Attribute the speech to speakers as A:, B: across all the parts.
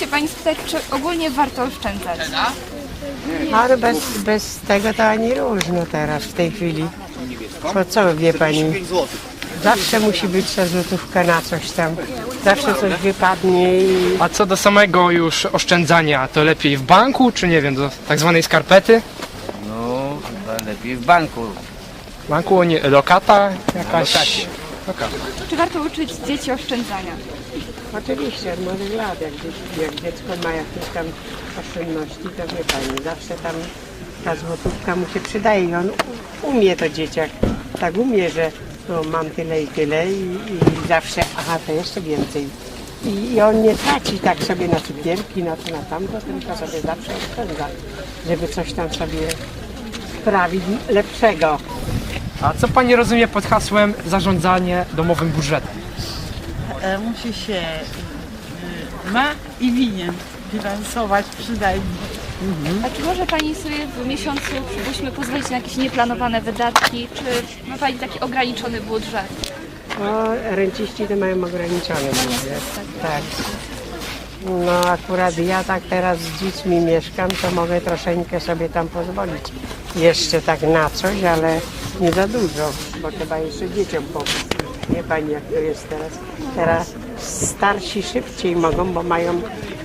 A: się Pani spytać, czy ogólnie warto oszczędzać?
B: Ale bez tego to ani różno teraz, w tej chwili. Bo co wie Pani? Zawsze musi być ta złotówka na coś tam. Zawsze coś wypadnie i...
C: A co do samego już oszczędzania, to lepiej w banku, czy nie wiem, do tak zwanej skarpety?
D: No, chyba lepiej w banku.
C: W banku nie, lokata jakaś? Lokata.
A: Czy warto uczyć dzieci oszczędzania?
B: Oczywiście, od młodych lat, jak dziecko ma jakieś tam oszczędności, to wie Pani, zawsze tam ta złotówka mu się przydaje i on umie to dzieciak. Tak umie, że no, mam tyle i tyle i zawsze, aha, to jeszcze więcej. I on nie traci tak sobie na cukierki, na to, na tamto, tylko sobie zawsze oszczędza, żeby coś tam sobie sprawić lepszego.
C: A co Pani rozumie pod hasłem zarządzanie domowym budżetem?
E: Musi się ma i winien bilansować przynajmniej.
A: A czy może Pani sobie w miesiącu, przypuśćmy, pozwolić na jakieś nieplanowane wydatki? Czy ma Pani taki ograniczony budżet?
B: No, renciści to mają ograniczone budżet. Tak. No akurat ja tak teraz z dziećmi mieszkam, to mogę troszeczkę sobie tam pozwolić. Jeszcze tak na coś, ale nie za dużo, bo trzeba jeszcze dzieciom pomóc. Wie Pani jak to jest teraz. Teraz starsi szybciej mogą, bo mają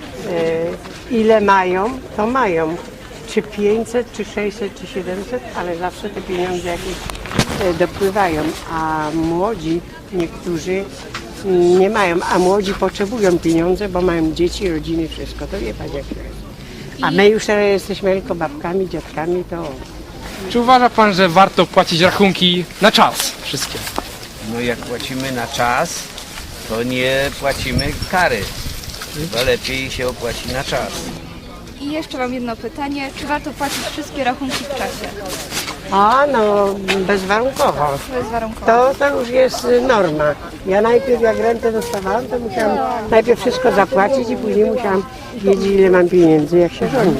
B: ile mają, to mają. Czy 500, czy 600, czy 700, ale zawsze te pieniądze jakieś dopływają, a młodzi niektórzy nie mają, a młodzi potrzebują pieniądze, bo mają dzieci, rodziny, wszystko. To wie Pani jak to jest. A my już teraz jesteśmy tylko babkami, dziadkami, to...
C: Czy uważa Pan, że warto płacić rachunki na czas wszystkie?
D: No jak płacimy na czas, to nie płacimy kary. Chyba lepiej się opłaci na czas.
A: I jeszcze mam jedno pytanie, czy warto płacić wszystkie rachunki w czasie?
B: A no, bezwarunkowo.
A: Bezwarunkowo.
B: To już jest norma. Ja najpierw jak rentę dostawałam, to musiałam najpierw wszystko zapłacić i później musiałam wiedzieć ile mam pieniędzy, jak się rządzi.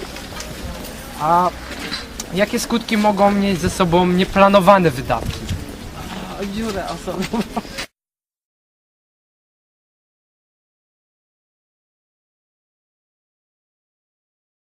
C: A jakie skutki mogą mieć ze sobą nieplanowane wydatki?
E: O dziurę osobową.